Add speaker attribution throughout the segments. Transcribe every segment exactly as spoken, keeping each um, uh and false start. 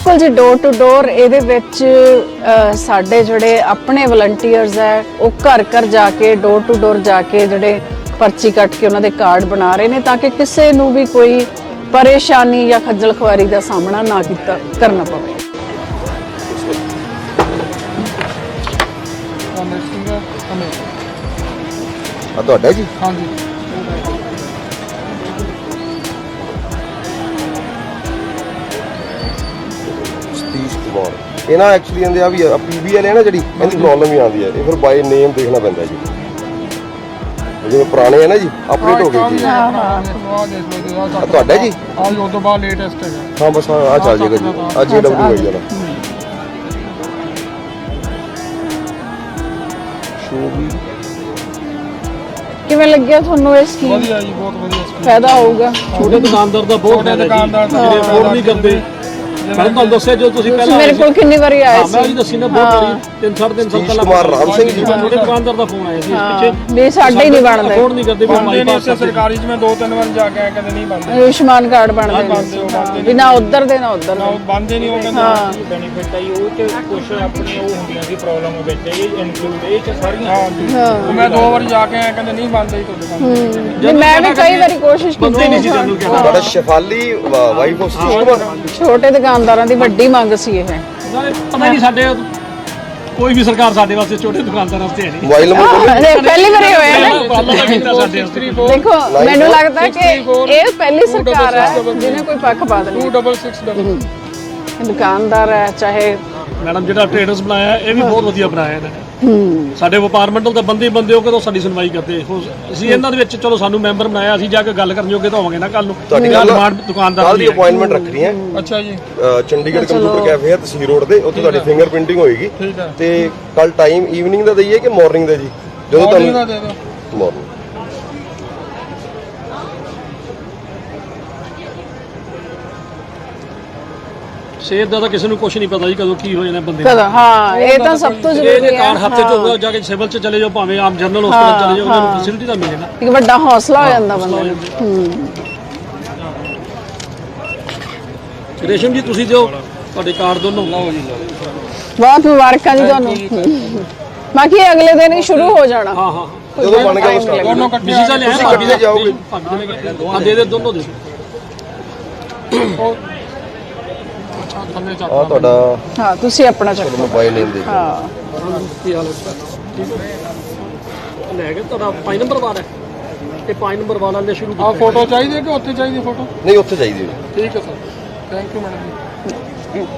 Speaker 1: बिल्कुल जी door to door ਇਹਦੇ ਵਿੱਚ ਸਾਡੇ ਜਿਹੜੇ ਆਪਣੇ ਵਲੰਟੀਅਰਸ ਹੈ ਉਹ ਘਰ ਘਰ ਜਾ ਕੇ ਡੋਰ ਟੂ ਡੋਰ ਜਾ ਕੇ ਜਿਹੜੇ ਪਰਚੀ ਕੱਟ ਕੇ ਉਹਨਾਂ ਦੇ ਕਾਰਡ ਬਣਾ ਰਹੇ ਨੇ ਤਾਂ ਕਿ ਕਿਸੇ ਨੂੰ ਵੀ ਕੋਈ ਪਰੇਸ਼ਾਨੀ ਜਾਂ ਖੱਜਲ ਖੁਆਰੀ ਦਾ ਸਾਹਮਣਾ ਨਾ ਕੀਤਾ ਕਰਨਾ ਪਵੇ।
Speaker 2: ਆ ਤੁਹਾਡਾ ਜੀ?
Speaker 3: ਹਾਂਜੀ
Speaker 2: ਸਤੀਸ਼ ਕੁਮਾਰ ਇਹ ਨਾ ਐਕਚੁਅਲੀ ਇਹਦੇ ਆ ਵੀ ਪੀਬੀ ਵਾਲੇ ਨਾ ਜਿਹੜੀ ਇਹਦੀ ਪ੍ਰੋਬਲਮ ਵੀ ਆਉਂਦੀ ਹੈ ਇਹ ਫਿਰ ਬਾਈ ਨੇਮ ਦੇਖਣਾ ਪੈਂਦਾ ਜੀ ਜਿਵੇਂ ਪੁਰਾਣੇ ਹੈ ਨਾ ਜੀ ਅਪਡੇਟ ਹੋ ਗਏ ਜੀ।
Speaker 3: ਹਾਂ ਹਾਂ
Speaker 2: ਆ ਤੁਹਾਡਾ ਜੀ?
Speaker 3: ਆ ਜੋ ਤੋਂ ਬਾਅਦ ਲੇਟੈਸਟ ਹੈਗਾ।
Speaker 2: ਹਾਂ ਬਸ ਆ ਚੱਲ ਜਾਏਗਾ ਜੀ ਆ ਜੇ ਡਬਲਯੂ ਹੋਈ ਜਾਣਾ ਸ਼ੋ ਵੀ
Speaker 1: ਕਿਵੇਂ ਲੱਗਿਆ ਤੁਹਾਨੂੰ ਇਹ ਸਕੀਮ?
Speaker 3: ਵਧੀਆ ਜੀ ਬਹੁਤ ਵਧੀਆ ਸਕੀਮ
Speaker 1: ਫਾਇਦਾ ਹੋਊਗਾ।
Speaker 4: ਛੋਟੇ ਦੁਕਾਨਦਾਰ ਦਾ ਬਹੁਤ ਫਾਇਦਾ ਜੀ ਜਿਹੜੇ ਅਫੋਰਡ ਨਹੀਂ ਕਰਦੇ। ਮੈਂ ਤੁਹਾਨੂੰ ਦੱਸਿਆ ਜੋ ਤੁਸੀਂ ਪਹਿਲਾਂ
Speaker 1: ਮੇਰੇ ਕੋਲ ਕਿੰਨੀ ਵਾਰੀ ਆਏ
Speaker 4: ਮੈਂ ਜੀ ਦੱਸੀ ਨਾ ਬਹੁਤ ਵਾਰੀ ਤਿੰਨ ਸਾਢੇ ਤਿੰਨ ਸਾਲ ਪਹਿਲਾਂ
Speaker 2: ਕੁਮਾਰ ਰਾਮ ਸਿੰਘ ਜੀ
Speaker 4: ਛੋਟੇ ਦੁਕਾਨਦਾਰ ਦਾ ਫੋਨ ਆਇਆ ਸੀ ਇਸ ਪਿੱਛੇ
Speaker 1: ਵੀ ਸਾਡੇ ਹੀ ਨਹੀਂ ਬਣਦੇ
Speaker 4: ਅਫੋਰਡ ਨਹੀਂ ਕਰਦੇ ਵੀ
Speaker 3: ਬੰਦੇ ਨਹੀਂ ਉੱਥੇ ਸਰਕਾਰੀ ਚ ਮੈਂ ਦੋ ਤਿੰਨ ਵਾਰ ਜਾ ਕੇ ਆਇਆ ਕਦੇ ਨਹੀਂ ਬੰਦੇ
Speaker 1: ਆਯੁਸ਼ਮਾਨ ਕਾਰਡ ਬਣਦੇ ਨੇ ਵੀ ਨਾ ਉੱਧਰ ਦੇ ਨਾ ਉੱਧਰ
Speaker 3: ਨਾ
Speaker 1: ਦੇ।
Speaker 3: ਬੰਦੇ ਨਹੀਂ ਉਹ ਕਹਿੰਦੇ
Speaker 5: ਬੈਨੀਫਿਟ ਆਈ ਉਹ ਚ ਕੁਝ ਆਪਣੀ ਉਹ ਹੁੰਦੀਆਂ ਸੀ ਪ੍ਰੋਬਲਮ ਵਿੱਚ ਇਹ ਇਨਕਲੂਡ ਇਹ ਚ ਸਾਰੀਆਂ
Speaker 3: ਹਾਂ ਉਹ ਮੈਂ ਦੋ ਵਾਰ ਜਾ ਕੇ ਆਇਆ ਕਹਿੰਦੇ ਨਹੀਂ ਬੰਦੇ ਹੀ ਤੁਹਾਡੇ ਬੰਦੇ
Speaker 1: ਨਹੀਂ, ਮੈਂ ਵੀ ਕਈ ਵਾਰੀ ਕੋਸ਼ਿਸ਼
Speaker 4: ਬੰਦੇ ਨਹੀਂ ਸੀ
Speaker 1: ਕੀਤੀ
Speaker 4: ਜਾਨੂੰ ਕਿਹਾ
Speaker 2: ਤੁਹਾਡਾ ਸ਼ਫਾਲੀ ਵਾਈਫ ਆਫ ਸਤੀਸ਼ ਕੁਮਾਰ
Speaker 1: ਛੋਟੇ ਦੁਕਾਨਦਾਰਾਂ ਦੀ ਵੱਡੀ ਮੰਗ ਸੀ ਇਹ।
Speaker 4: ਪਤਾ ਨਹੀਂ ਸਾਡੇ ਕੋਈ ਵੀ ਸਰਕਾਰ ਸਾਡੇ ਵਾਸਤੇ ਛੋਟੇ ਦੁਕਾਨਦਾਰਾਂ ਵਾਸਤੇ ਹੈ ਨਹੀਂ।
Speaker 2: ਮੋਬਾਈਲ ਨੰਬਰ ਬੋਲੋ
Speaker 1: ਹਾਂ, ਇਹ ਪਹਿਲੀ ਵਾਰੀ ਹੋਇਆ ਨਾ।
Speaker 4: ਉਪਰਾਲਾ ਤਾਂ ਕੀਤਾ ਸਾਡੇ ਵਾਸਤੇ।
Speaker 1: ਦੇਖੋ ਮੈਨੂੰ ਲੱਗਦਾ ਕਿ ਇਹ ਪਹਿਲੀ ਸਰਕਾਰ ਹੈ ਜਿਹਨੇ ਕੋਈ ਪੱਖਪਾਤ ਨਹੀਂ।
Speaker 3: ਟੂ ਡਬਲ ਸਿਕਸ ਡਬਲ
Speaker 1: ਦੁਕਾਨਦਾਰ ਹੈ ਚਾਹੇ
Speaker 4: ਮੈਡਮ ਜਿਹੜਾ ਟ੍ਰੇਡਰਸ ਬਣਾਇਆ ਇਹ ਵੀ ਬਹੁਤ ਵਧੀਆ ਬਣਾਇਆ ਇਹਨਾਂ ਨੇ। ਸਾਡੇ ਵਪਾਰ ਮੰਡਲ ਦੇ ਬੰਦੇ ਬੰਦੇ ਹੋ ਕੇ ਤਾਂ ਸਾਡੀ ਸੁਣਵਾਈ ਕਰਦੇ ਅਸੀਂ ਇਹਨਾਂ ਦੇ ਵਿੱਚ ਚਲੋ ਸਾਨੂੰ ਮੈਂਬਰ ਬਣਾਇਆ ਅਸੀਂ ਜਾ ਕੇ ਗੱਲ ਕਰਨ ਜੋਗੇ ਤਾਂ ਹੋਵਾਂਗੇ ਨਾ ਕੱਲ ਨੂੰ
Speaker 2: ਤੁਹਾਡੀ ਗੱਲ
Speaker 4: ਦੁਕਾਨਦਾਰ
Speaker 2: ਕੱਲ ਦੀ ਅਪਾਇੰਟਮੈਂਟ ਰੱਖਣੀ ਹੈ।
Speaker 3: ਅੱਛਾ ਜੀ
Speaker 2: ਚੰਡੀਗੜ੍ਹ ਕੰਪਿਊਟਰ ਕੈਫੇ ਹੈ ਤਸਵੀਰ ਰੋਡ ਤੇ ਉੱਥੇ ਤੁਹਾਡੀ ਫਿੰਗਰ ਪ੍ਰਿੰਟਿੰਗ ਹੋਏਗੀ
Speaker 3: ਠੀਕ ਹੈ
Speaker 2: ਤੇ ਕੱਲ ਟਾਈਮ ਈਵਨਿੰਗ ਦਾ ਦਈਏ ਕਿ ਮਾਰਨਿੰਗ ਦਾ ਜੀ ਜਦੋਂ
Speaker 3: ਤੁਹਾਨੂੰ
Speaker 2: ਤੁਹਾਨੂੰ
Speaker 3: ਦੇ ਦਿਓ
Speaker 2: ਮਾਰਨਿੰਗ
Speaker 4: ਸ਼ੇਰ ਦਾ ਤਾਂ ਕਿਸੇ ਨੂੰ ਕੁਝ ਨਹੀਂ ਪਤਾ ਜੀ ਕਦੋਂ ਕੀ ਹੋ ਜਾਣਾ ਬੰਦੇ
Speaker 1: ਕਦੋਂ ਹਾਂ ਇਹ ਤਾਂ ਸਭ ਤੋਂ
Speaker 4: ਇਹ
Speaker 1: ਜ਼ਰੂਰੀ
Speaker 4: ਜੇ
Speaker 1: ਹੈ।
Speaker 4: ਕਾਰ ਹੱਥੇ ਤੋਂ ਜਾ ਕੇ ਸਿਵਲ ਚ ਚਲੇ ਜਾਓ ਭਾਵੇਂ ਆਮ ਜਨਰਲ ਹਸਪਤਾਲ ਚਲੇ ਜਾਓ ਉਹਨਾਂ ਨੂੰ ਫੈਸਿਲਿਟੀ ਤਾਂ ਮਿਲੇ ਨਾ।
Speaker 1: ਇੱਕ ਵੱਡਾ ਹੌਸਲਾ ਹੋ ਜਾਂਦਾ ਬੰਦੇ ਨੂੰ। ਹੂੰ
Speaker 4: ਰੇਸ਼ਮ ਜੀ ਤੁਸੀਂ ਜੋ ਤੁਹਾਡੇ ਕਾਰਡ ਦੋਨੋਂ ਲਾਓ ਜੀ।
Speaker 1: ਬਹੁਤ ਮੁਬਾਰਕਾਂ ਜੀ ਤੁਹਾਨੂੰ। ਬਾਕੀ ਇਹ ਅਗਲੇ ਦਿਨ ਹੀ ਸ਼ੁਰੂ ਹੋ ਜਾਣਾ।
Speaker 4: ਹਾਂ ਹਾਂ
Speaker 2: ਜਦੋਂ ਬਣ ਗਿਆ ਉਸ ਟਾਈਮ
Speaker 3: ਦੋਨੋਂ ਇਕੱਠੇ
Speaker 4: ਬਿਜ਼ੀ ਚੱਲੇ ਆ
Speaker 2: ਤੁਸੀਂ ਕਿੱਥੇ ਜਾਓਗੇ?
Speaker 4: ਹਾਂ ਦੇ ਦੇ ਦੋਨੋਂ ਦੇ
Speaker 3: ਅੱਛਾ ਥੱਲੇ ਚੱਕ
Speaker 2: ਆ ਤੁਹਾਡਾ
Speaker 1: ਹਾਂ ਤੁਸੀਂ ਆਪਣਾ ਚੱਕੋ।
Speaker 2: ਮੋਬਾਈਲ ਨੇਮ ਦੇ
Speaker 1: ਹਾਂ
Speaker 4: ਕੀ ਹਾਲ ਹੈ ਠੀਕ ਹੈ ਲੈ ਕੇ ਤੁਹਾਡਾ ਪੰਜ ਨੰਬਰ ਵਾਲਾ ਹੈ ਤੇ ਪੰਜ ਨੰਬਰ ਵਾਲਾ ਨੇ ਸ਼ੁਰੂ
Speaker 3: ਆ ਫੋਟੋ ਚਾਹੀਦੀ ਹੈ ਕਿ ਉੱਥੇ ਚਾਹੀਦੀ ਫੋਟੋ?
Speaker 2: ਨਹੀਂ ਉੱਥੇ ਚਾਹੀਦੀ ਹੈ।
Speaker 3: ਠੀਕ ਹੈ ਸਰ ਥੈਂਕ ਯੂ ਮੈਡਮ ਜੀ।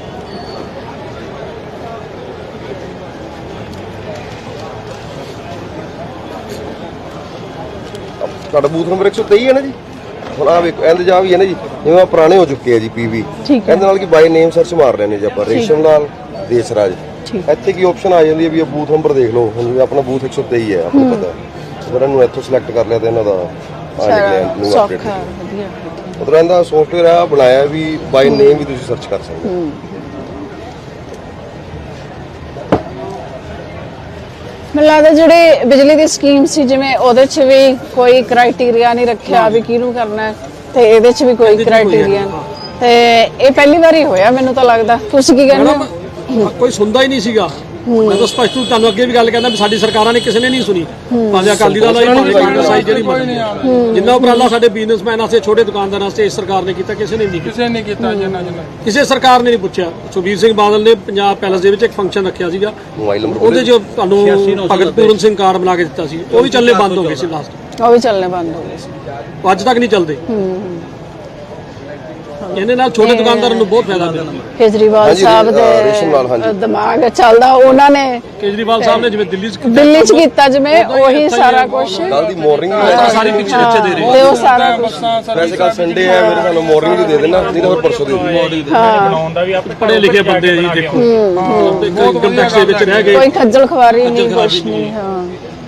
Speaker 2: ਤੁਹਾਡਾ ਬੂਥ ਨੰਬਰ ਇੱਕ ਸੌ ਤੇਈ ਹੈ ਨਾ ਜੀ? ਹੁਣ ਆ ਵੇਖੋ ਇਹਦੇ ਜਾ ਵੀ ਹੈ ਨਾ ਜੀ ਜਿਵੇਂ ਪੁਰਾਣੇ ਹੋ ਚੁੱਕੇ ਆ ਜੀ ਪੀਵੀ
Speaker 1: ਠੀਕ ਹੈ।
Speaker 2: ਇਹਦੇ ਨਾਲ ਕੀ ਬਾਈ ਨੇਮ ਸਰਚ ਮਾਰ ਰਹੇ ਨੇ ਜੀ ਆਪਾਂ ਰੇਸ਼ਮ ਲਾਲ ਦੇਸਰਾਜ
Speaker 1: ਠੀਕ।
Speaker 2: ਇੱਥੇ ਕੀ ਆਪਸ਼ਨ ਆ ਜਾਂਦੀ ਹੈ ਵੀ ਇਹ ਬੂਥ ਨੰਬਰ ਦੇਖ ਲਓ ਹੁਣ ਜਿਵੇਂ ਆਪਣਾ ਬੂਥ ਇੱਕ ਸੌ ਤੇਈ ਹੈ ਆਪਨੂੰ ਪਤਾ ਅਗਰ ਇਹਨੂੰ ਇੱਥੋਂ ਸਿਲੈਕਟ ਕਰ ਲਿਆ ਤਾਂ ਇਹਨਾਂ ਦਾ ਆ ਨਿਕਲਿਆ ਨਿਊ ਅਪਡੇਟ
Speaker 1: ਸੌਖਾ ਵਧੀਆ।
Speaker 2: ਮਤਲਬ ਇਹਦਾ ਸੌਫਟਵੇਅਰ ਆ ਬਣਾਇਆ ਵੀ ਬਾਈ ਨੇਮ ਵੀ ਤੁਸੀਂ ਸਰਚ ਕਰ ਸਕਦੇ ਹੋ।
Speaker 1: ਮੈਨੂੰ ਲੱਗਦਾ ਜਿਹੜੇ ਬਿਜਲੀ ਦੀ ਸਕੀਮ ਸੀ ਜਿਵੇਂ ਉਹਦੇ 'ਚ ਵੀ ਕੋਈ ਕ੍ਰਾਈਟੇਰੀਆ ਨਹੀਂ ਰੱਖਿਆ ਵੀ ਕਿਹਨੂੰ ਕਰਨਾ ਹੈ ਤੇ ਇਹਦੇ 'ਚ ਵੀ ਕੋਈ ਕ੍ਰਾਈਟੇਰੀਆ ਤੇ ਇਹ ਪਹਿਲੀ ਵਾਰੀ ਹੋਇਆ ਮੈਨੂੰ ਤਾਂ ਲੱਗਦਾ। ਤੁਸੀਂ ਕੀ ਕਹਿੰਦੇ ਹੋ?
Speaker 4: ਕੋਈ ਸੁਣਦਾ ਹੀ ਨਹੀਂ ਸੀਗਾ। ਮੈਂ ਤਾਂ ਸਪਸ਼ਟ ਰੂਪ ਤੁਹਾਨੂੰ ਅੱਗੇ ਵੀ ਗੱਲ ਕਹਿੰਦਾ ਵੀ ਸਾਡੀ ਸਰਕਾਰਾਂ ਨੇ ਕਿਸੇ ਨੇ ਨਹੀਂ ਸੁਣੀ ਭਾਵੇਂ ਅਕਾਲੀ ਦਲ ਆਈ ਭਾਵੇਂ ਕਾਂਗਰਸ ਆਈ ਜਿਹੜੀ ਜਿੰਨਾ ਉਪਰਾਲਾ ਸਾਡੇ ਬਿਜ਼ਨਸਮੈਨ ਵਾਸਤੇ ਛੋਟੇ ਦੁਕਾਨਦਾਰਾਂ ਵਾਸਤੇ ਇਸ ਸਰਕਾਰ ਨੇ ਕੀਤਾ ਕਿਸੇ ਨੇ ਨਹੀਂ ਕੀਤਾ।
Speaker 3: ਕਿਸੇ ਨੇ ਕੀਤਾ ਜਿੰਨਾ ਜਿੰਨਾ
Speaker 4: ਕਿਸੇ ਸਰਕਾਰ ਨੇ ਨਹੀਂ ਪੁੱਛਿਆ। ਸੁਖਬੀਰ ਸਿੰਘ ਬਾਦਲ ਨੇ ਪੰਜਾਬ ਪੈਲਸ ਦੇ ਵਿੱਚ ਇੱਕ ਫੰਕਸ਼ਨ ਰੱਖਿਆ ਸੀਗਾ
Speaker 2: ਮੋਬਾਈਲ ਨੰਬਰ
Speaker 4: ਉਹਦੇ 'ਚ ਤੁਹਾਨੂੰ ਭਗਤ ਪੂਰਨ ਸਿੰਘ ਕਾਰਡ ਬਣਾ ਕੇ ਦਿੱਤਾ ਸੀ ਉਹ ਵੀ ਚੱਲਣੇ ਬੰਦ ਹੋ ਗਏ ਸੀ ਲਾਸਟ
Speaker 1: ਉਹ ਵੀ ਚੱਲਣੇ ਬੰਦ ਹੋ ਗਏ ਸੀ।
Speaker 4: ਅੱਜ ਤੱਕ ਨਹੀਂ ਚੱਲਦੇ। ਇਹਦੇ ਨਾਲ ਛੋਟੇ ਦੁਕਾਨਦਾਰਾਂ ਨੂੰ ਬਹੁਤ ਫਾਇਦਾ ਮਿਲਦਾ।
Speaker 1: ਕੇਜਰੀਵਾਲ ਸਾਹਿਬ ਦੇ ਦਿਮਾਗ ਚੱਲਦਾ ਉਹਨਾਂ ਨੇ
Speaker 4: ਕੇਜਰੀਵਾਲ ਸਾਹਿਬ ਨੇ ਜਿਵੇਂ ਦਿੱਲੀ 'ਚ
Speaker 1: ਦਿੱਲੀ 'ਚ ਕੀਤਾ ਜਿਵੇਂ ਉਹੀ ਸਾਰਾ ਕੁਝ
Speaker 2: ਕੱਲ ਦੀ ਮਾਰਨਿੰਗ
Speaker 4: ਸਾਰੀ ਪਿੱਛੇ ਪਿੱਛੇ ਦੇ ਰਹੇ
Speaker 1: ਤੇ ਉਹ ਸਾਰਾ ਕੁਝ
Speaker 2: ਵੈਸੇ ਕੱਲ ਸੰਡੇ ਹੈ ਮੇਰੇ ਸਾਨੂੰ ਮਾਰਨਿੰਗ ਦੀ ਦੇ ਦੇਣਾ ਨਹੀਂ ਤਾਂ ਫਿਰ ਪਰਸੋਂ ਦੇ ਦਿਓ।
Speaker 5: ਬਣਾਉਣ ਦਾ ਵੀ ਆਪਣੇ
Speaker 4: ਪੜ੍ਹੇ ਲਿਖੇ ਬੰਦੇ ਆ ਜੀ ਦੇਖੋ ਇਨਕਮ ਟੈਕਸ ਦੇ ਵਿੱਚ ਰਹਿ ਗਏ
Speaker 1: ਕੋਈ ਖੱਜਲ ਖਵਾਰੀ ਨਹੀਂ ਕੁਛ ਨਹੀਂ। ਹਾਂ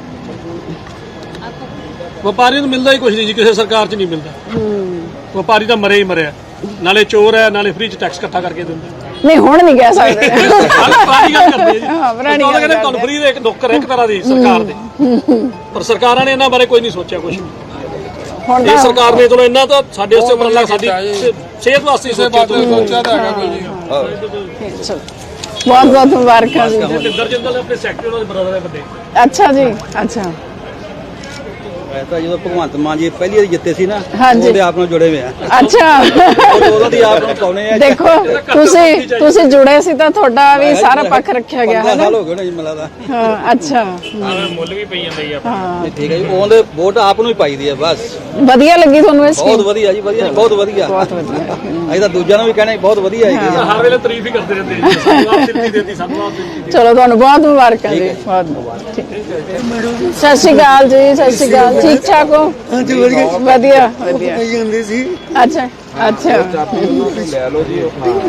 Speaker 4: ਵਪਾਰੀ ਨੂੰ ਮਿਲਦਾ ਹੀ ਕੁਝ ਨਹੀਂ ਜੀ ਕਿਸੇ ਸਰਕਾਰ 'ਚ ਨਹੀਂ ਮਿਲਦਾ। ਵਪਾਰੀ ਤਾਂ ਮਰੇ ਹੀ ਮਰਿਆ ਨਾਲੇ ਚੋਰ ਹੈ ਨਾਲੇ ਫ੍ਰੀ 'ਚ ਟੈਕਸ ਇਕੱਠਾ ਕਰਕੇ ਦਿੰਦਾ।
Speaker 1: ਨਹੀਂ ਹੁਣ ਨਹੀਂ ਕਹਿ ਸਕਦੇ।
Speaker 4: ਪੁਰਾਣੀ ਗੱਲ ਕਰਦੇ ਜੀ
Speaker 1: ਹਾਂ ਪੁਰਾਣੀ
Speaker 4: ਉਹ ਕਹਿੰਦੇ ਤੁਹਾਨੂੰ ਫ੍ਰੀ ਦੇ ਇੱਕ ਨੌਕਰ ਇੱਕ ਤਰ੍ਹਾਂ ਦੀ ਸਰਕਾਰ ਦੇ ਪਰ ਸਰਕਾਰਾਂ ਨੇ ਇਹਨਾਂ ਬਾਰੇ ਕੋਈ ਨਹੀਂ ਸੋਚਿਆ ਕੁਝ।
Speaker 1: ਹੁਣ
Speaker 4: ਇਹ
Speaker 1: ਤਾਂ
Speaker 4: ਸਰਕਾਰ ਨੇ ਚਲੋ ਇਹਨਾਂ ਤਾਂ ਸਾਡੇ ਵਾਸਤੇ ਉਪਰਾਲਾ ਸਾਡੀ ਸੇ- ਸਿਹਤ ਵਾਸਤੇ
Speaker 3: ਕਿਸੇ
Speaker 4: ਸੋਚਿਆ
Speaker 3: ਬਾਤ ਨੂੰ ਸੋਚਿਆ ਤਾਂ ਹੈਗਾ ਕੋਈ ਜੀ
Speaker 1: ਚਲੋ, ਬਹੁਤ ਬਹੁਤ ਮੁਬਾਰਕਾਂ ਜੀ
Speaker 4: ਜਿੰਦਰ ਜਿੰਦਲ ਆਪਣੇ ਸੈਕਟਰੀ ਉਹਨਾਂ ਦੇ ਬਰਾਦਰ ਦੇ ਵੱਡੇ।
Speaker 1: ਅੱਛਾ ਜੀ ਅੱਛਾ
Speaker 6: ਮੈਂ ਤਾਂ ਜਦੋਂ ਭਗਵੰਤ ਮਾਨ ਜੀ ਪਹਿਲੀ ਵਾਰੀ ਜਿੱਤੇ ਸੀ ਨਾ
Speaker 1: ਹਾਂਜੀ।
Speaker 6: ਉਹਦੇ ਆਪ ਨਾਲ ਜੁੜੇ ਹੋਏ ਆ
Speaker 1: ਅੱਛਾ
Speaker 6: ਉਹ- ਉਹਦਾ ਦੀ ਆਪ ਨੂੰ ਪਾਉਨੇ ਆ
Speaker 1: ਦੇਖੋ ਤੁਸੀਂ ਤੁਸੀਂ ਜੁੜੇ ਸੀ ਤਾਂ ਤੁਹਾਡਾ ਵੀ ਸਾਰਾ ਪੱਖ ਰੱਖਿਆ ਗਿਆ ਹੈ
Speaker 6: ਪੰਦਰਾਂ
Speaker 1: ਨਾ
Speaker 6: ਸਾਲ ਹੋ ਗਏ ਨੇ ਜੀ ਮੈਨੂੰ ਲੱਗਦਾ
Speaker 1: ਹਾਂ ਅੱਛਾ
Speaker 5: ਮੁੱਲ ਵੀ ਪਈ ਜਾਂਦਾ ਜੀ ਆਪਾਂ
Speaker 1: ਹਾਂ
Speaker 6: ਨਹੀਂ, ਠੀਕ ਹੈ ਜੀ ਉਹਦੇ ਵੋਟ ਆਪ ਨੂੰ ਹੀ ਪਾਈ ਦੀ ਆ ਬਸ
Speaker 1: ਵਧੀਆ ਲੱਗੀ ਤੁਹਾਨੂੰ ਇਹ
Speaker 6: ਬਹੁਤ
Speaker 1: ਸਕੀਮ
Speaker 6: ਵਧੀਆ ਜੀ ਵਧੀਆ ਜੀ, ਬਹੁਤ ਵਧੀਆ
Speaker 1: ਬਹੁਤ ਵਧੀਆ
Speaker 6: ਅਸੀਂ ਤਾਂ ਦੂਜਿਆਂ ਨੂੰ ਵੀ ਕਹਿਣਾ ਬਹੁਤ ਵਧੀਆ ਹੈਗੀ ਆ
Speaker 4: ਹਰ ਵੇਲੇ ਤਾਰੀਫ ਹੀ ਕਰਦੇ ਰਹਿੰਦੇ ਜੀ, ਸਾਨੂੰ ਆਪ ਦਿੱਤੀ ਦਿੱਤੀ ਸਾਨੂੰ ਆਪ ਦਿੱਤੀ।
Speaker 1: ਚਲੋ ਤੁਹਾਨੂੰ ਬਹੁਤ ਮੁਬਾਰਕਾਂ ਜੀ ਬਹੁਤ ਠੀਕ ਸਤਿ ਸ਼੍ਰੀ ਅਕਾਲ ਜੀ ਸਤਿ ਸ਼੍ਰੀ ਅਕਾਲ ਠੀਕ ਠਾਕ ਹੋ
Speaker 7: ਹਾਂਜੀ ਵਧੀਆ
Speaker 1: ਵਧੀਆ ਵਧੀਆ
Speaker 7: ਕਹੀ ਜਾਂਦੇ ਸੀ
Speaker 1: ਅੱਛਾ ਅੱਛਾ
Speaker 2: ਲੈ ਲਓ ਜੀ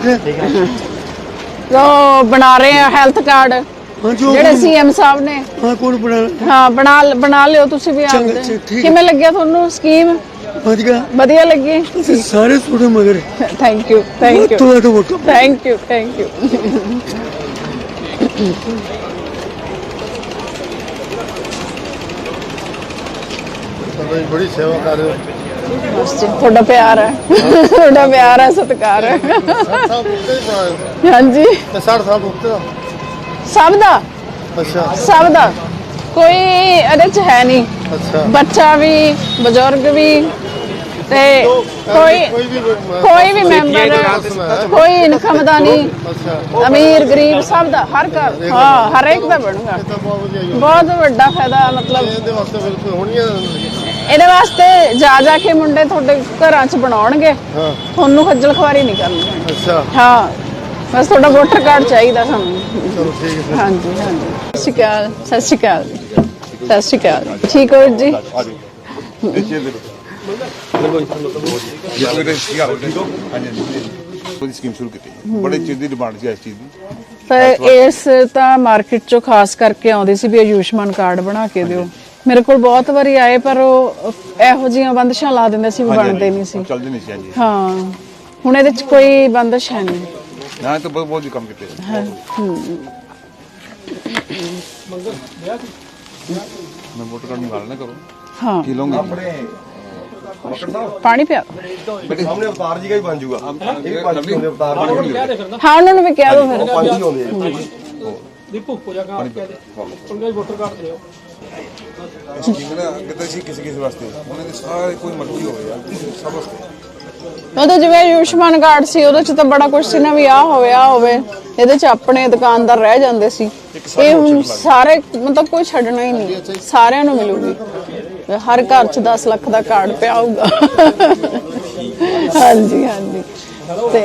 Speaker 1: ਲੋ ਬਣਾ ਰਹੇ ਆ ਹੈਲਥ ਕਾਰਡ
Speaker 7: ਹਾਂਜੀ ਉਹ
Speaker 1: ਜਿਹੜੇ ਸੀਐਮ ਸਾਹਿਬ ਨੇ
Speaker 7: ਹਾਂ ਕੋਣ ਬਣਾ
Speaker 1: ਹਾਂ ਬਣਾ ਬਣਾ ਲਿਓ ਤੁਸੀਂ ਵੀ
Speaker 7: ਚੰਗਾ,
Speaker 1: ਆਪਦੇ
Speaker 7: ਠੀਕ।
Speaker 1: ਕਿਵੇਂ ਲੱਗਿਆ ਤੁਹਾਨੂੰ ਸਕੀਮ
Speaker 7: ਵਧੀਆ
Speaker 1: ਵਧੀਆ ਲੱਗੀ
Speaker 7: ਅਸੀਂ ਸਾਰੇ ਤੁਹਾਡੇ ਮਗਰ
Speaker 1: ਥੈਂਕ ਯੂ ਥੈਂਕ ਯੂ
Speaker 7: ਤੁਹਾਡਾ vote
Speaker 1: thank you thank you
Speaker 7: ਬੜੀ ਸੇਵਾ ਕਰ ਰਹੇ ਹੋ
Speaker 1: ਬਸ ਜੀ ਤੁਹਾਡਾ ਪਿਆਰ ਹੈ ਤੁਹਾਡਾ ਪਿਆਰ ਹੈ ਸਤਿਕਾਰ ਹੈ
Speaker 7: ਸਾਹਿਬ ਉੱਤੇ ਹੀ
Speaker 1: ਹਾਂਜੀ
Speaker 7: ਤੇ ਸਾठ ਸਾਹਿਬ ਉੱਤੇ
Speaker 1: ਸਭ ਦਾ
Speaker 7: ਅੱਛਾ
Speaker 1: ਸਭ ਦਾ ਕੋਈ ਇਹਦੇ ਚ ਹੈ ਨਹੀਂ
Speaker 7: ਅੱਛਾ
Speaker 1: ਬੱਚਾ ਵੀ ਬਜ਼ੁਰਗ ਵੀ ਤੇ ਕੋਈ
Speaker 7: ਕੋਈ ਵੀ
Speaker 1: ਕੋਈ ਵੀ ਮੈਂਬਰ ਕੋਈ ਇਨਕਮ ਦਾ ਨਹੀਂ
Speaker 7: ਅੱਛਾ
Speaker 1: ਅਮੀਰ ਗਰੀਬ ਸਭ ਦਾ ਹਰ ਘਰ ਹਾਂ ਹਰ ਇੱਕ ਦਾ ਬਣੂਗਾ
Speaker 7: ਤਾਂ ਬਹੁਤ ਵਧੀਆ ਜੀ
Speaker 1: ਬਹੁਤ ਵੱਡਾ ਫਾਇਦਾ ਮਤਲਬ
Speaker 7: ਇਹਦੇ ਵਾਸਤੇ ਬਿਲਕੁਲ ਹੋਣੀ ਹੈ
Speaker 1: ਇਹਦੇ ਵਾਸਤੇ ਜਾ ਜਾ ਕੇ ਮੁੰਡੇ ਤੁਹਾਡੇ ਘਰਾਂ 'ਚ ਬਣਾਉਣਗੇ
Speaker 7: ਹਾਂ
Speaker 1: ਤੁਹਾਨੂੰ ਖੱਜਲ ਖਵਾਰੀ ਨਹੀਂ ਕਰਨੀ
Speaker 7: ਅੱਛਾ
Speaker 1: ਹਾਂ ਬਸ ਤੁਹਾਡਾ ਵੋਟਰ ਕਾਰਡ ਚਾਹੀਦਾ ਸਾਨੂੰ
Speaker 7: ਚਲੋ ਠੀਕ ਹੈ
Speaker 1: ਹਾਂਜੀ ਹਾਂਜੀ ਸਤਿ ਸ਼੍ਰੀ ਅਕਾਲ ਸਤਿ ਸ਼੍ਰੀ ਅਕਾਲ ਸਤਿ ਸ਼੍ਰੀ ਅਕਾਲ ਠੀਕ ਹੋ ਜੀ
Speaker 8: ਉਹਦੀ ਸਕੀਮ ਸ਼ੁਰੂ ਕੀਤੀ ਬੜੇ ਚਿਰ ਦੀ ਡਿਮਾਂਡ ਸੀ ਇਸ ਚੀਜ਼ ਦੀ
Speaker 1: ਪਰ ਇਸ ਤਾਂ ਮਾਰਕੀਟ 'ਚੋਂ ਖਾਸ ਕਰਕੇ ਆਉਂਦੀ ਸੀ ਵੀ ਆਯੁਸ਼ਮਾਨ ਕਾਰਡ ਬਣਾ ਕੇ ਦਿਓ ਮੇਰੇ ਕੋਲ ਬਹੁਤ ਵਾਰੀ ਆਏ ਪਰ ਉਹ ਇਹੋ ਜਿਹੀਆਂ ਬੰਦਸ਼ਾਂ ਲਾ ਦਿੰਦੇ ਸੀ ਵੀ ਬਣਦੇ ਨਹੀਂ ਸੀ
Speaker 8: ਚੱਲਦੇ ਨਹੀਂ ਸੀ ਹਾਂਜੀ
Speaker 1: ਹਾਂ ਹੁਣ ਇਹਦੇ 'ਚ ਕੋਈ ਬੰਦਸ਼ ਹੈ ਨਹੀਂ
Speaker 8: ਨਾ ਤਾਂ ਬਹੁਤ ਬਹੁਤ ਕੰਮ ਕੀਤੇ ਮੈਂ ਵੋਟਰ ਕਾਰਡ ਮੰਗਾ ਲੈਣਾ ਕਰੋ
Speaker 1: ਹਾਂ
Speaker 8: ਕੀ ਲਓਗੇ
Speaker 2: ਆਪਣੇ ਮੱਕੜ ਸਾਹਿਬ
Speaker 1: ਪਾਣੀ ਪਿਆ
Speaker 2: ਬੇਟੇ ਸਾਹਮਣੇ ਅਵਤਾਰ ਜੀ ਦਾ ਹੀ ਬਣ ਜੂਗਾ ਇਹ ਪੰਜ ਹੀ ਹੁੰਦੇ ਅਵਤਾਰ ਜੀ ਹੁੰਦੇ
Speaker 1: ਹਾਂ ਉਹਨਾਂ ਨੂੰ ਵੀ ਕਹਿ ਦਿਓ ਫਿਰ
Speaker 2: ਪੰਜ ਹੀ ਹੁੰਦੇ ਆ ਜੀ।
Speaker 4: ਦੀਪੂ ਹੋ ਜਾ ਕਾ ਕੇ ਪੰਗਾ ਵੋਟਰ ਕਾਰਡ ਦਿਓ
Speaker 8: ਸਕੀਮ ਨਾ ਕਿਤੇ ਸੀ ਕਿਸੇ ਕਿਸੇ ਵਾਸਤੇ ਉਹਨਾਂ ਦੇ ਸਾਰੇ ਕੋਈ ਮਰਜ਼ੀ ਹੋਵੇ ਯਾਰ ਸਭ ਵਾਸਤੇ
Speaker 1: ਉਹਦੇ ਜਿਵੇਂ ਆਯੁਸ਼ਮਾਨ ਕਾਰਡ ਸੀ ਉਹਦੇ 'ਚ ਤਾਂ ਬੜਾ ਕੁਝ ਸੀ ਨਾ ਵੀ ਆਹ ਹੋਵੇ ਆਹ ਹੋਵੇ ਇਹਦੇ 'ਚ ਆਪਣੇ ਦੁਕਾਨਦਾਰ ਰਹਿ ਜਾਂਦੇ ਸੀ ਇਹ ਹੁਣ ਸਾਰੇ ਮਤਲਬ ਕੋਈ ਛੱਡਣਾ ਹੀ ਨਹੀਂ ਸਾਰਿਆਂ ਨੂੰ ਮਿਲੂਗੀ ਹਰ ਘਰ 'ਚ ਦਸ ਲੱਖ ਦਾ ਕਾਰਡ ਪਿਆ ਹੋਊਗਾ ਹਾਂਜੀ ਹਾਂਜੀ ਤੇ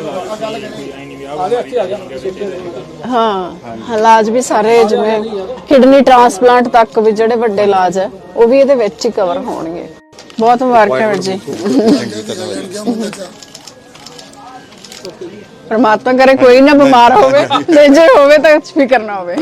Speaker 1: ਹਾਂ ਇਲਾਜ ਵੀ ਸਾਰੇ ਜਿਵੇਂ ਕਿਡਨੀ ਟ੍ਰਾਂਸਪਲਾਂਟ ਤੱਕ ਵੀ ਜਿਹੜੇ ਵੱਡੇ ਇਲਾਜ ਹੈ ਉਹ ਵੀ ਇਹਦੇ ਵਿੱਚ ਹੀ ਕਵਰ ਹੋਣਗੇ ਬਹੁਤ ਮੁਬਾਰਕਾਂ ਵੀਰ ਜੀ ਪਰਮਾਤਮਾ ਕਰੇ ਕੋਈ ਨਾ ਬਿਮਾਰ ਹੋਵੇ ਤੇ ਜੇ ਹੋਵੇ ਤਾਂ ਫਿਕਰ ਨਾ ਹੋਵੇ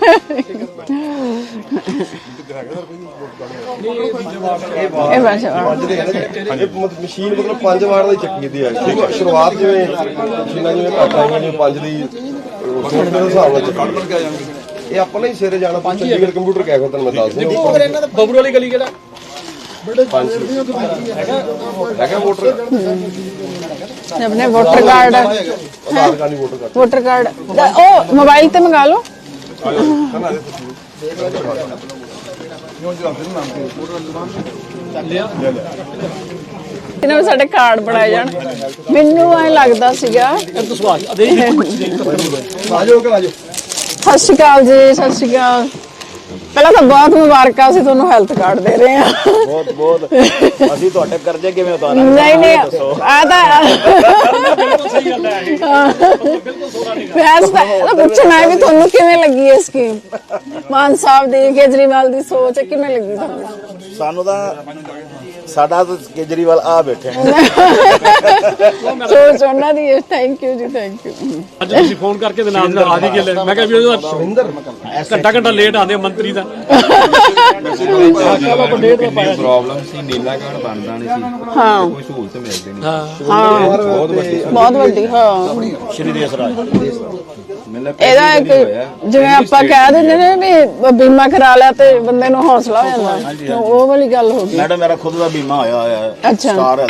Speaker 1: ਇਹ ਬਸ
Speaker 2: ਇਹ ਮਤ- ਮਸ਼ੀਨ ਮਤਲਬ ਪੰਜ ਵਾਰ ਦੀ ਚੱਕੀ ਦੀ ਹੈ ਠੀਕ ਹੈ ਸ਼ੁਰੂਆਤ ਜਿਵੇਂ ਮਸ਼ੀਨਾਂ ਜਿਵੇਂ ਘੱਟ ਆਈਆਂ ਜਿਵੇਂ ਪੰਜ ਦੀ ਛੋਟੇ ਦੇ ਹਿਸਾਬ ਨਾਲ ਚੱਕੀ ਇਹ ਆਪਾਂ ਨੇ ਸਿਰੇ ਜਾਣਾ ਚੰਡੀਗੜ੍ਹ ਕੰਪਿਊਟਰ ਕੈਫੇ ਤੁਹਾਨੂੰ ਮੈਂ ਦੱਸ ਦਿੰਦਾ
Speaker 4: ਬਬਰੂ ਵਾਲੀ ਗਲੀ ਕਿਹੜਾ
Speaker 2: ਹੈਗਾ ਵੋਟਰ
Speaker 1: ਆਪਣੇ ਵੋਟਰ ਕਾਰਡ
Speaker 2: ਆਧਾਰ ਕਾਰਡ ਨਹੀਂ ਵੋਟਰ ਕਾਰਡ
Speaker 1: ਵੋਟਰ ਕਾਰਡ ਉਹ ਮੋਬਾਈਲ ਤੇ ਮੰਗਾ ਲਓ ਇਹਨਾਂ ਨੂੰ ਸਾਡੇ ਕਾਰਡ ਬਣਾਏ ਜਾਣ ਮੈਨੂੰ ਐ ਲੱਗਦਾ ਸੀਗਾ
Speaker 4: ਤੂੰ ਸਵਾਲ ਅਦੇ
Speaker 2: ਆਜੋ ਕਿ ਆਜੋ
Speaker 1: ਸਤਿ ਸ਼੍ਰੀ ਅਕਾਲ ਜੀ ਸਤਿ ਸ਼੍ਰੀ ਅਕਾਲ ਪਹਿਲਾਂ ਤਾਂ ਬਹੁਤ ਮੁਬਾਰਕਾਂ ਅਸੀਂ ਤੁਹਾਨੂੰ ਹੈਲਥ ਕਾਰਡ ਦੇ ਰਹੇ ਹਾਂ
Speaker 5: ਬਹੁਤ ਬਹੁਤ ਅਸੀਂ ਤੁਹਾਡੇ ਕਰਜ਼ੇ ਕਿਵੇਂ ਉਤਾਰਾਂਗੇ
Speaker 1: ਨਹੀਂ ਨਹੀਂ ਆ ਤਾਂ
Speaker 4: ਬਿਲਕੁਲ ਸਹੀ ਗੱਲ ਹੈ ਬਿਲਕੁਲ ਸੋਹਣਾ ਨਹੀਂ
Speaker 1: ਵੈਸੇ ਤਾਂ ਇਹਦਾ ਪੁੱਛਣਾ ਹੈ ਵੀ ਤੁਹਾਨੂੰ ਕਿਵੇਂ ਲੱਗੀ ਇਹ ਸਕੀਮ ਮਾਨ ਸਾਹਿਬ ਦੀ ਕੇਜਰੀਵਾਲ ਦੀ ਸੋਚ ਕਿਵੇਂ ਲੱਗੀ ਤੁਹਾਨੂੰ
Speaker 5: ਸਾਨੂੰ ਤਾਂ ਸਾਡਾ ਤਾਂ ਕੇਜਰੀਵਾਲ ਆ ਬੈਠੇ
Speaker 1: ਸੋਚ ਉਹਨਾਂ ਦੀ ਹੈ thank you ji thank you
Speaker 4: ਅੱਜ ਤੁਸੀਂ ਫੋਨ ਕਰਕੇ ਤੇ ਨਾਲ ਆ ਦੀ ਗੱਲ ਮੈਂ ਕਿਹਾ ਵੀ ਉਹਦਾ ਘੰਟਾ ਘੰਟਾ ਲੇਟ ਆਉਂਦੇ ਮੰਤਰੀ ਦਾ
Speaker 8: ਪ੍ਰੋਬਲਮ ਸੀ ਨੀਲਾ ਕਾਰਡ ਬਣਦਾ ਨਹੀਂ ਸੀ
Speaker 1: ਹਾਂ
Speaker 8: ਕੋਈ ਸਹੂਲਤ ਮਿਲਦੀ ਨਹੀਂ
Speaker 1: ਹਾਂ
Speaker 2: ਬਹੁਤ ਵੱਡੀ
Speaker 1: ਬਹੁਤ ਵੱਡੀ ਹਾਂ
Speaker 5: ਸ਼੍ਰੀ ਦੇਸ ਰਾਜ
Speaker 1: ਇਹਦਾ ਇੱਕ ਜਿਵੇਂ ਆਪਾਂ ਕਹਿ ਦਿੰਦੇ ਨੇ ਵੀ ਬੀਮਾ ਕਰਾ ਲਿਆ ਤੇ ਬੰਦੇ ਨੂੰ ਹੌਸਲਾ ਹੋ ਜਾਂਦਾ, ਉਹ ਵਾਲੀ ਗੱਲ ਹੋ ਗਈ।
Speaker 9: ਮੈਡਮ ਮੇਰਾ ਖੁਦ ਦਾ ਬੀਮਾ ਹੋਇਆ ਹੋਇਆ ਹੈ
Speaker 1: ਅੱਛਾ।
Speaker 9: ਸਟਾਰ